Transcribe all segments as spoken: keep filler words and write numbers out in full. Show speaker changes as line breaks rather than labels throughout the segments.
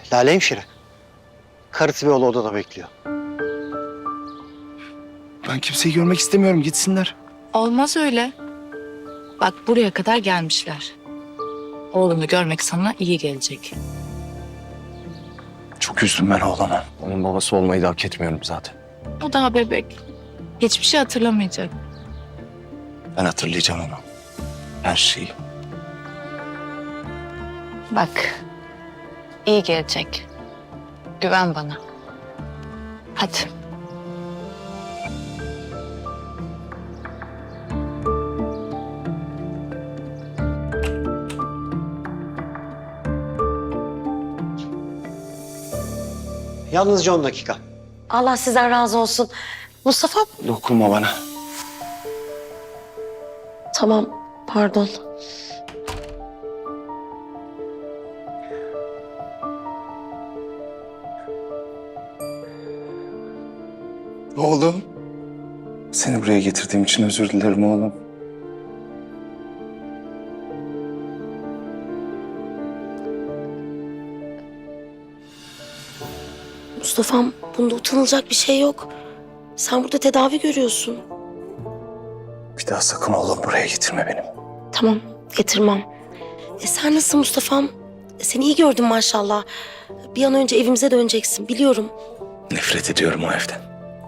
Lale hemşire. Karısı ve oğlu odada bekliyor.
Ben kimseyi görmek istemiyorum. Gitsinler.
Olmaz öyle. Bak buraya kadar gelmişler. Oğlunu görmek sana iyi gelecek.
Çok üzdüm ben oğlana. Onun babası olmayı da hak etmiyorum zaten.
O daha bebek. Hiçbir şey hatırlamayacak.
Ben hatırlayacağım onu. Her şeyi.
Bak. İyi gelecek. Güven bana. Hadi.
Yalnızca on dakika.
Allah sizden razı olsun. Mustafa.
Dokunma bana.
Tamam, pardon.
Oğlum. Seni buraya getirdiğim için özür dilerim oğlum.
Mustafa'm, bunda utanılacak bir şey yok. Sen burada tedavi görüyorsun.
Bir daha sakın oğlum buraya getirme benim.
Tamam, getirmem. E sen nasılsın Mustafa'm? E, seni iyi gördüm maşallah. Bir an önce evimize döneceksin, biliyorum.
Nefret ediyorum o evden.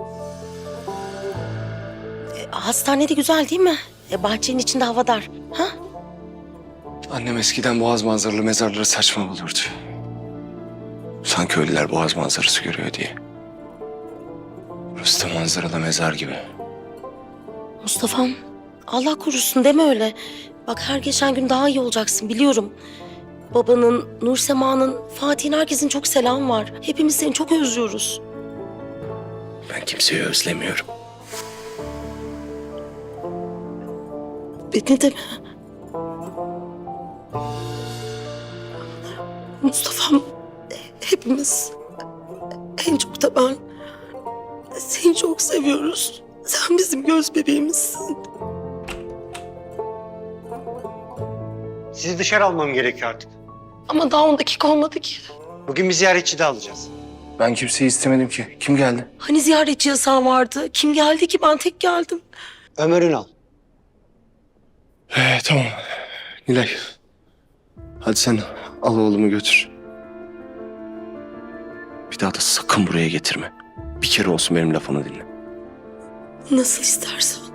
E, hastane de güzel değil mi? E, bahçenin içinde hava dar. Ha?
Annem eskiden boğaz manzaralı mezarları saçma bulurdu. Sanki ölüler boğaz manzarası görüyor diye. Burası da manzaralı mezar gibi.
Mustafa'm, Allah korusun deme öyle. Bak her geçen gün daha iyi olacaksın, biliyorum. Babanın, Nursema'nın, Fatih'in, herkesin çok selam var. Hepimiz seni çok özlüyoruz.
Ben kimseyi özlemiyorum.
Beni de mi? Mustafa'm, hepimiz, en çok da ben seni çok seviyoruz. Sen bizim göz bebeğimizsin.
Sizi dışarı almam gerekiyor artık.
Ama daha on dakika olmadı ki.
Bugün bir ziyaretçi de alacağız.
Ben kimseyi istemedim ki. Kim geldi?
Hani ziyaretçi yasağı vardı? Kim geldi ki? Ben tek geldim.
Ömer Ünal.
Ee, tamam. Nilay. Hadi sen al oğlumu götür. Bir daha da sakın buraya getirme. Bir kere olsun benim lafımı dinle.
Nasıl istersen.